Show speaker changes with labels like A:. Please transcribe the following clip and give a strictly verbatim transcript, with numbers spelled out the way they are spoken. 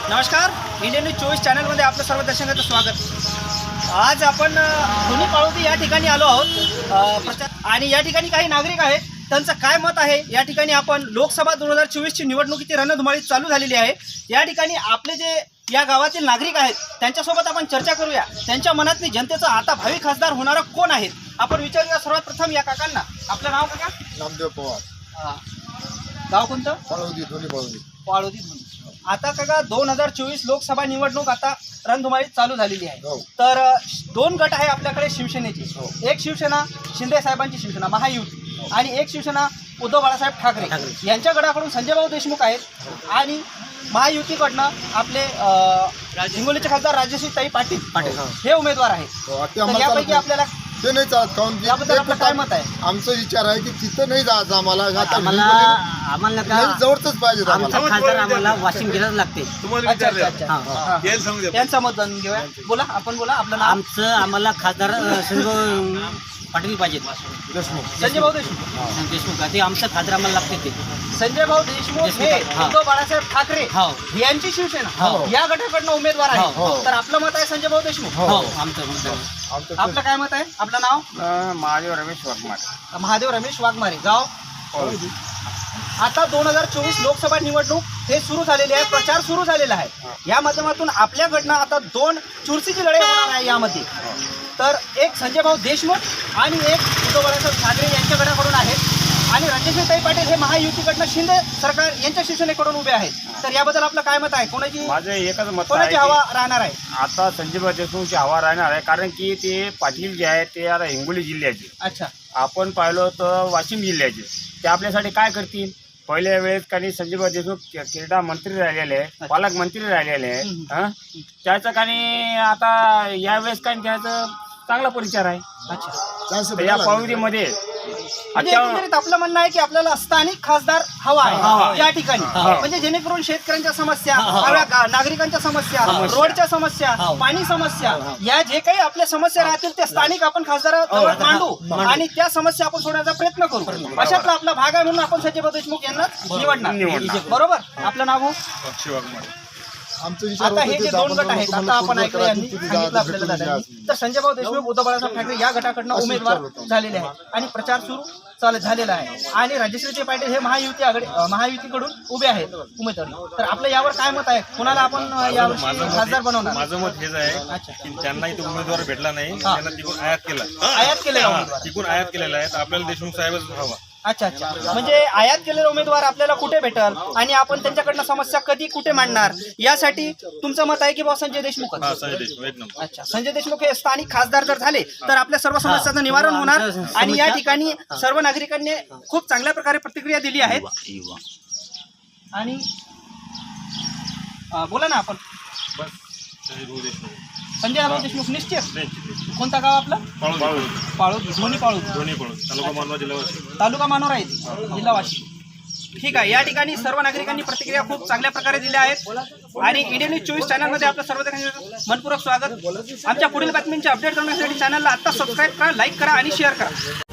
A: नमस्कार, Indian news चोवीस चॅनलमध्ये आपलं सर्व दर्शकांचं स्वागत। आज आपण दोन्ही पाळोदी या ठिकाणी आलो आहोत प्रचार आणि या ठिकाणी काही नागरिक आहेत, त्यांचं काय मत आहे या ठिकाणी आपण लोकसभा दोन हजार चोवीसची निवडणुकीची रणधुमाळी चालू झालेली आहे। या ठिकाणी आपले जे या गावातील नागरिक आहेत त्यांच्यासोबत आपण चर्चा करूया। त्यांच्या मनातली जनतेचा आता भावी खासदार होणारा कोण आहेत आपण विचारूया। सर्वात प्रथम या काकांना, आपलं नाव काका?
B: नामदेव पवार।
A: गाव कोणतं?
B: पाळोदी, दोन्ही पाळोदी।
A: पाळोदी। आता काका दोन हजार चोवीस लोकसभा निवडणूक आता रणधुमाळीत चालू झालेली आहे।
B: हो।
A: तर दोन गट आहे आपल्याकडे शिवसेनेचे।
B: हो।
A: एक शिवसेना शिंदे साहेबांची शिवसेना महायुती आणि एक शिवसेना उद्धव बाळासाहेब ठाकरे यांच्या गटाकडून संजय भाऊ देशमुख आहेत आणि महायुतीकडनं आपले हिंगोलीचे खासदार राजश्रीताई पाटील पाटील हे उमेदवार आहेत। तर यापैकी आपल्याला
B: ते नाही चालत काऊन
A: याबद्दल आपलं काय मत आहे?
B: आमचा विचार आहे की तिथं नाही जायचं आम्हाला। आता
C: आम्हाला आम्हाला का
B: जवळच पाहिजे
C: आमचा खासदार आम्हाला वाशिम जिल्ह्यात लागते।
A: अच्छा अच्छा अच्छा त्यांचं मत जाणून घेऊया। बोला, आपण बोला, आपलं नाव?
C: आमचं आम्हाला खासदार संजय पाटील पाहिजे।
B: देशमुख
A: संजय भाऊ देशमुख
C: देशमुख ते आमचं खासदार आम्हाला लागते। ते
A: संजय भाऊ देशमुख हे उद्धव बाळासाहेब ठाकरे
C: हो
A: यांची शिवसेना या गटाकडनं उमेदवार आहे। तर आपलं मत आहे संजय भाऊ देशमुख।
C: हो आमचं मत।
A: आपलं काय मत आहे? आपलं नाव?
C: महादेव रमेश वाघमारे।
A: महादेव रमेश वाघमारे। गाव? आता दोन हजार चोवीस लोकसभा निवडणूक हे सुरू झालेली आहे, प्रचार सुरू झालेला आहे। या माध्यमातून आपल्याकडनं आता दोन चुरशीची लढाई होणार आहे यामध्ये। तर एक संजय भाऊ देशमुख आणि एक उद्धव बाळासाहेब ठाकरे यांच्या गटाकडून आहेत आणि राजश्रीताई पाटील हे महायुतीकडनं शिंदे सरकार यांच्या शिवसेनेकडून उभे आहेत। तर याबद्दल आपलं काय मत आहे? कोणाची
D: माझं एकच मत
A: कोणाची
D: आहे
A: हवा राहणार आहे?
D: आता संजय देशमुखची हवा राहणार आहे, कारण की ते पाटील जे आहे ते आता हिंगोली जिल्ह्याचे,
A: अच्छा,
D: आपण पाहिलं तर वाशिम जिल्ह्याचे, ते आपल्यासाठी काय करतील? पहिल्या वेळेस काही संजय देशमुख क्रीडा मंत्री राहिलेले आहे, पालकमंत्री राहिलेले आहे, त्याचं काही आता यावेळेस काही त्याचं चांगला परिचार आहे।
A: अच्छा,
D: या पाळोदीमध्ये
A: म्हणजे एकंदरीत आपलं म्हणणं आहे की आपल्याला स्थानिक खासदार हवा आहे या ठिकाणी, म्हणजे जेणेकरून शेतकऱ्यांच्या समस्या, नागरिकांच्या समस्या, रोडच्या समस्या, पाणी समस्या, या जे काही आपल्या समस्या राहतील त्या स्थानिक आपण खासदाराजवळ मांडू आणि त्या समस्या आपण सोडण्याचा प्रयत्न करू। अशातला आपला भाग आहे, म्हणून आपण संजय देशमुख यांना निवडणार। बरोबर, आपलं नाव हो? आता हे जे दोन गट आहेत, आता आपण ऐकलं यांनी सांगितलं आपल्याला दादांनी, तर संजय भाऊ देशमुख उद्धव बाळासाहेब ठाकरे या गटाकडनं उमेदवार झालेले आहेत आणि प्रचार सुरू चालत झालेला आहे आणि राजश्रीताई पाटील हे महायुती आघाडी महायुतीकडून उभे आहेत उमेदवार। तर आपलं यावर काय मत आहे? कोणाला आपण यावर्षी खासदार बनवणार?
E: माझं मत हेच आहे की त्यांना इथे उमेदवार भेटला नाही, त्यांना तिकडून आयात केला
A: आयात केलेला उमेदवार
E: तिकडून आयात केलेला आहे, तर आपल्याला देशमुख साहेबच हवा।
A: अच्छा अच्छा, म्हणजे आयात केलेला उमेदवार आपल्याला कुठे भेटल आणि आपण त्यांच्याकडनं समस्या कधी कुठे मांडणार यासाठी तुमचं मत आहे की बा संजय देशमुख?
E: हा, संजय देशमुख एक नंबर।
A: अच्छा, संजय देशमुख हे स्थानिक खासदार जर झाले तर आपल्या सर्व समस्यांचं निवारण होणार आणि या ठिकाणी सर्व नागरिकांनी खूप चांगल्या प्रकारे प्रतिक्रिया दिली आहे। आणि बोला ना आपण?
E: बस संजय भाऊ देशमुख
A: संजय भाऊ देशमुख निश्चित।
E: नाही,
A: कोणता गाव आपलं?
E: पाळोदी
A: पाळोदी, दोन्ही पाळोदी,
E: दोन्ही पाळोदी, तालुका मानवा, जिल्हा वाशिम।
A: तालुका मानोरा आहे, जिल्हा वाशिम। ठीक आहे, या ठिकाणी सर्व नागरिकांनी प्रतिक्रिया खूप चांगल्या प्रकारे दिल्या आहेत आणि इंडियन न्यूज चोवीस चॅनलमध्ये आपलं सर्व मनपूर्वक स्वागत। आमच्या पुढील बातम्यांचे अपडेट करण्यासाठी चॅनलला आता सबस्क्राईब करा, लाईक करा आणि शेअर करा।